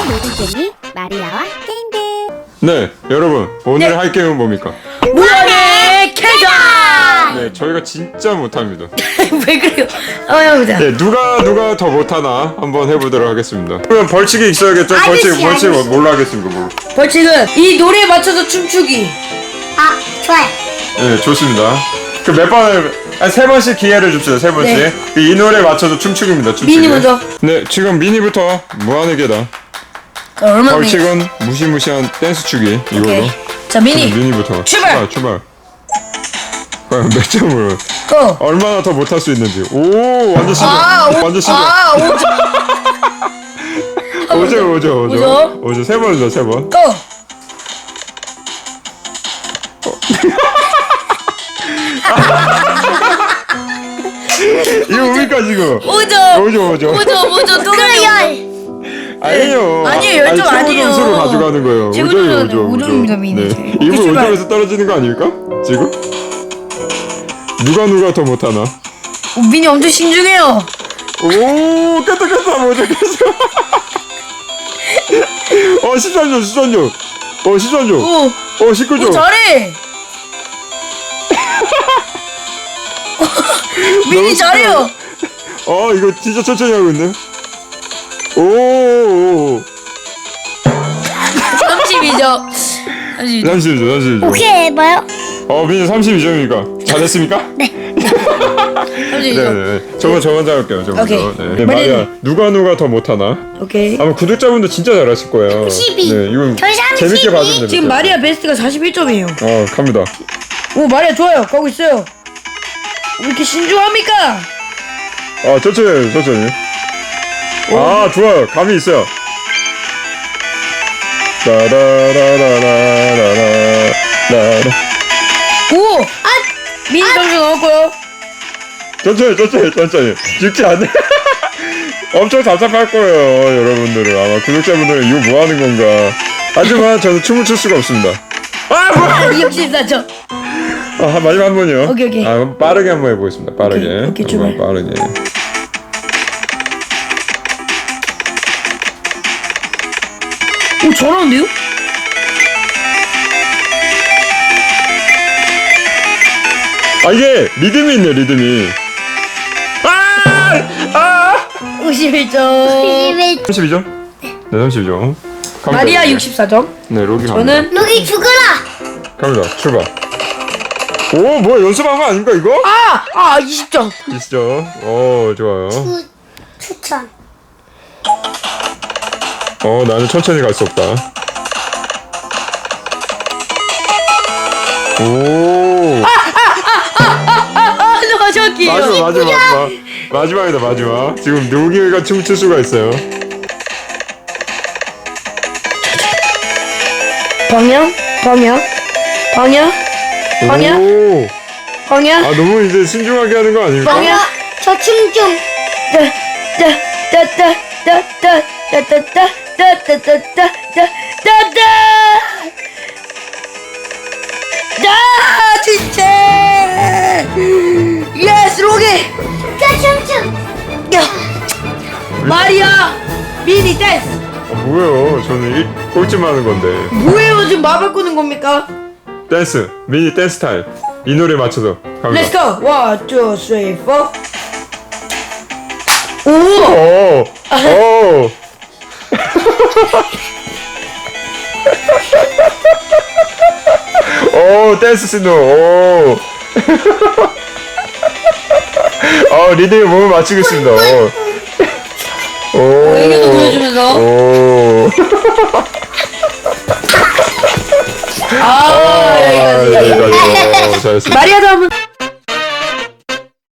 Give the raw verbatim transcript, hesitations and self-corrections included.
모든 마리아와 게임들. 네, 여러분 오늘 네. 할 게임은 뭡니까? 무한의 계산! 네, 저희가 진짜 못합니다. 왜 그래요? 한번 해보자. 네, 누가 누가 더 못하나 한번 해보도록 하겠습니다. 그러면 벌칙이 있어야겠죠? 벌칙, 아저씨, 벌칙 아저씨. 뭘로 하겠습니까? 뭐. 벌칙은 이 노래에 맞춰서 춤추기. 아, 좋아요. 네, 좋습니다. 그 몇 번을 아, 세 번씩 기회를 줍시다. 세 번씩. 네. 이 노래에 맞춰서 춤추기입니다. 춤추기. 미니 먼저. 네, 지금 미니부터 무한의 계단. 얼마나 벌칙은 무시무시한 댄스 추기 이걸로. 오케이. 자, 미니. 미니부터. 출발! 출발. 과연 몇 점으로? 고! 얼마나 더 못할 수 있는지. 오, 완전 신기해. 아, 오, 완전 신기해. 아, 오점. 오죠, 오죠, 오죠. 오죠? 오죠. 세 번이죠, 세 번. 고! 이거 뭡니까 지금? 오점. 오죠, 오죠. 오점, 오점, 또 가요. 아니에요. 아니에요, 열 점 최고 아니에요. 점수로 가져가는 거예요. 최고 오점이 점수는 오죠, 오죠. 오점입니다, 미니. 네. 오케이, 일부러 출발. 오점에서 떨어지는 거 아닙니까? 지금? 누가 누가 더 못하나? 오, 미니 엄청 신중해요. 오, 깼다 깼다 뭐죠 깼어. 어, 십삼 점, 십삼 점. 어, 십삼 점. 오, 어, 십구 점. 오, 잘해. 미니 너무 잘해요. 어, 이거 진짜 천천히 하고 있네. 오, 오, 오. 삼십이 점. 삼십이 점. 삼십 점, 삼십 점. 오케이, 해봐요. 어, 민이 삼십이 점이니까 잘했습니까? 네. 삼십이 점. 네네. 저거 저 먼저 할게요. 저 먼저. 오케이. 네. 네, 마리아 누가 누가 더 못하나? 오케이. 아마 구독자분도 진짜 잘하실 거예요. 삼십이. 네, 이건 저희 삼십이. 재밌게 봐주면 됩니다. 지금 마리아 베스트가 사십일 점이에요. 어, 갑니다. 오, 마리아 좋아요. 가고 있어요. 왜 이렇게 신중합니까? 아, 천천히, 천천히. 아, 좋아요. 감이 있어요. 라라라라라라라라. 오! 아! 미니 점수 넣었고요. 천천히, 천천히, 천천히. 죽지 않네. 엄청 답답할 거예요, 여러분들은. 아마 구독자분들은 이거 뭐 하는 건가. 하지만 저는 춤을 출 수가 없습니다. 아, 뭐야! 육십사 점. 아, 마지막 한 번이요. 오케이, 오케이. 아, 그럼 빠르게 한번 해보겠습니다. 빠르게. 오케이, 오케이, 정말 출발. 빠르게. 오, 잘하는데요? 아, 이게 리듬이 있네, 리듬이. 아! 아! 오십일 점. 삼십이 점? 네, 삼십이 점. 갑니다. 마리아 육십사 점. 네, 로기 갑니다. 저는 로기 죽어라. 갑니다. 출발. 오, 뭐야, 연습한 거 아닙니까, 이거? 아! 아, 이십 점. 이십 점. 오, 좋아요. 추, 추천. 어, 나는 천천히 갈 수 없다. 오. 아, 너 저기. 마지막, 마지막, 마지막. 마지막이다, 마지막. 지금 로기가 춤출 수가 있어요. 방향? 방향? 방향? 방향? 오. 방향? 아, 너무 이제 신중하게 하는 거 아닙니까? 방향? 저춤 좀. 따따따따따따따따따따따따따따따 야 진짜 예스 로기 저 춤춤. 야 마리아 미니 댄스 아, 뭐예요? 저는 일, 꼴찌만 하는 건데. 뭐예요 지금 마법 끄는 겁니까? 댄스, 미니 댄스 스타일. 이 노래 맞춰서 갑니다. Let's go one two three four 오 오, 오. 오, 댄스 신호. 오. 어, 리듬에 몸을 맞추고 있습니다. 오. 오. 애교도 보여주면서. 오. 아, 아, 여기까지. 여기까지. 오, 잘했습니다. 마리아도 한번